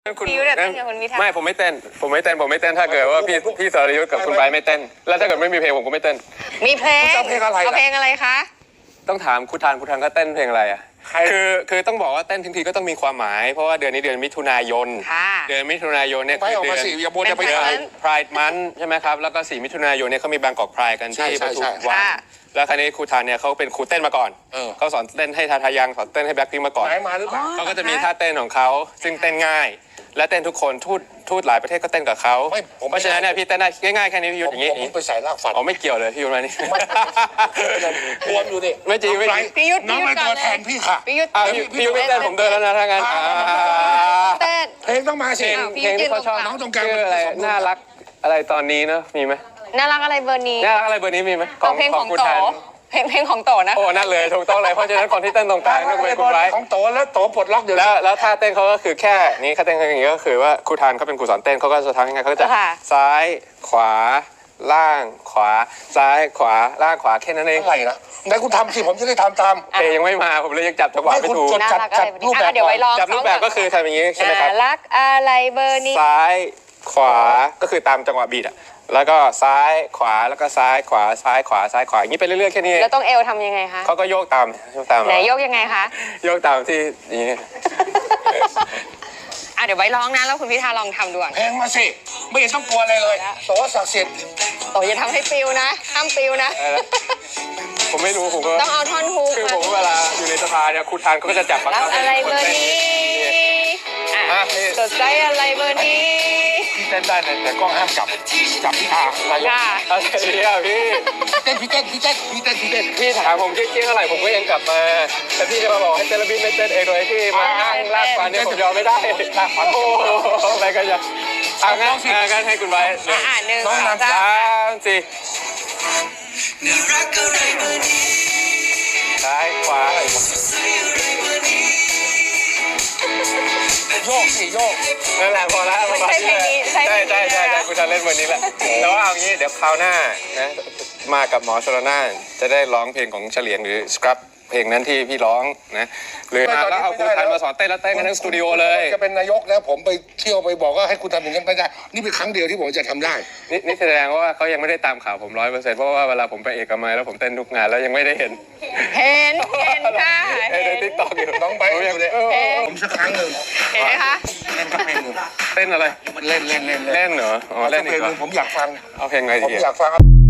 พี่ยุทธเต้นกับคุณพิธาไม่ผมไม่เต้นถ้าเกิดว่าพี่สรยุทธกับคุณไบร์ทไม่เต้นแล้วถ้าเกิดไม่มีเพลงผมก็ไม่เต้นมีเพลงเอาเพลงอะไรคะต้องถามคุณทานก็เต้นเพลงอะไรอ่ะคือต้องบอกว่าเต้นทั้งทีก็ต้องมีความหมายเพราะว่าเดือนนี้เดือนมิถุนายนเดือนมิถุนายนเนี่ยคือเดือนPride Month ใช่ไหมครับแล้วก็4 มิถุนายนเนี่ยเขามีบางกอก Pride กันที่ปทุมวันแล้วคราวนี้ครูทานเนี่ยเขาเป็นครูเต้นมาก่อนเขาสอนเต้นให้ทายังสอนเต้นให้แบล็คพิงค์มาก่อนเขาก็จะมีท่าเต้นของเขาซึ่งเต้นง่ายและเต้นทุกคนทูตหลายประเทศก็เต้นกับเขาเพราะฉะนั้นเนี่ยพี่เต้นได้ง่ายๆแค่นี้พี่ยุทธอย่างนี้ผมไปใส่รากฝันไม่เกี่ยวเลยพี่ยุทธมานี่รวมอยู่ดิไม่จริงพี่ยุทธน้องเป็นตัวแทนพี่ค่ะพี่ยุทธไม่เต้นผมเดินแล้วนะถ้างั้นเต้นเพลงต้องมาสิเพลงที่เขาชอบน้องตรงกลางอะไรน่ารักอะไรตอนนี้เนอะมีไหมน่ารักอะไรเบอร์นี้มีไหมเพลงของโตเพลงของโตนะโอ้นั่นเลยถูกต้องเลยเพราะฉะนั้นคนที่เต้นตรงกลางต้องเป็นคุณไบร์ทของโตแล้วโตปลดล็อกอยู่แล้วท่าเต้นเขาก็คือแค่นี้ท่าเต้นอย่างนี้ก็คือว่าครูทานเขาเป็นครูสอนเต้นเขาก็จะทำยังไงเขาจะซ้ายขวาล่างขวาซ้ายขวาล่างขวาแค่นั้นเองอะไรนะไหนคุณทำสิผมจะได้ทำตามเพลงยังไม่มาผมเลยยังจับจังหวะไม่ถูกจับรูปแบบเดี๋ยวไว้ลองจับรูปแบบก็คือทำอย่างนี้ใช่ไหมครับรักอะไรเบอร์นี้ซ้ายขวาก็คือตามจังหวะบีทอะแล้วก็ซ้ายขวาแล้วก็ซ้ายขวาซ้ายขวาซ้ายขวาอย่างนี้ไปเรื่อยๆแค่นี้แล้วต้องเอวทำยังไงคะเขาก็โยกตามไหนโยกยังไงคะโยกตามที่นี้เดี๋ยวไว้ร้องนะแล้วคุณพิธาลองทำดูเพลงมาสิไม่เห็นต้องกลัวอะไรเลยโตศักดิ์สิทธิ์โตอย่าทำให้ปิวนะห้ามปิวนะผมไม่รู้ผมก็ต้องเอาท่อนฮุกคือผมเวลาอยู่ในสภาเนี่ยครูทานเขาก็จะจับรักอะไรเบอร์นี้สดใจอะไรเบอร์นี้พี่เต้นได้แต่กล้องห้ามจับพี่อาอะไรเนี่ยพี่พี่ถามผมเกี้ยงอะไรผมก็ยังกลับมาแต่พี่จะมาบอกให้เต้นแล้วพี่ไม่เต้นเองโดยที่มาอ้างลากฟันเนี่ยผมยอมไม่ได้ลากฟันโอ้ไปกันอย่างั้นให้คุณไว้ 1 2 3 4ซ้ายขวาโยกสิโยกนั่นแหละพอแล้วใช่เพลงนี้ใช่คุณจะเล่นวันนี้แหละแต่ว่าเอางี้เดี๋ยวคราวหน้านะมากับหมอชลน่านจะได้ร้องเพลงของเฉลียงหรือสครับเพลงนั้นที่พี่ร้องนะหรือมาแล้วเอาครูทันมาสอนเต้นแล้วเต้นกันทั้งสตูดิโอเลยจะเป็นนายกแล้วผมไปเที่ยวไปบอกว่าให้คุณทำอย่างนั้นไม่ได้นี่เป็นครั้งเดียวที่ผมจะทำได้นี่แสดงว่าเขายังไม่ได้ตามข่าวผม100%เพราะว่าเวลาผมไปเอกมัยแล้วผมเต้นทุกงานแล้วยังไม่ได้เห็นค่ะในติ๊กต็อกอยู่น้องไปอยู่เลยผมสักครั้งหนึ่งเห็นไหมคะเล่นสักเพลงหนึ่งเต้นอะไรเล่นเหรอเล่นอีกเหรอผมอยากฟังเอาเพลงไงดีผมอยากฟัง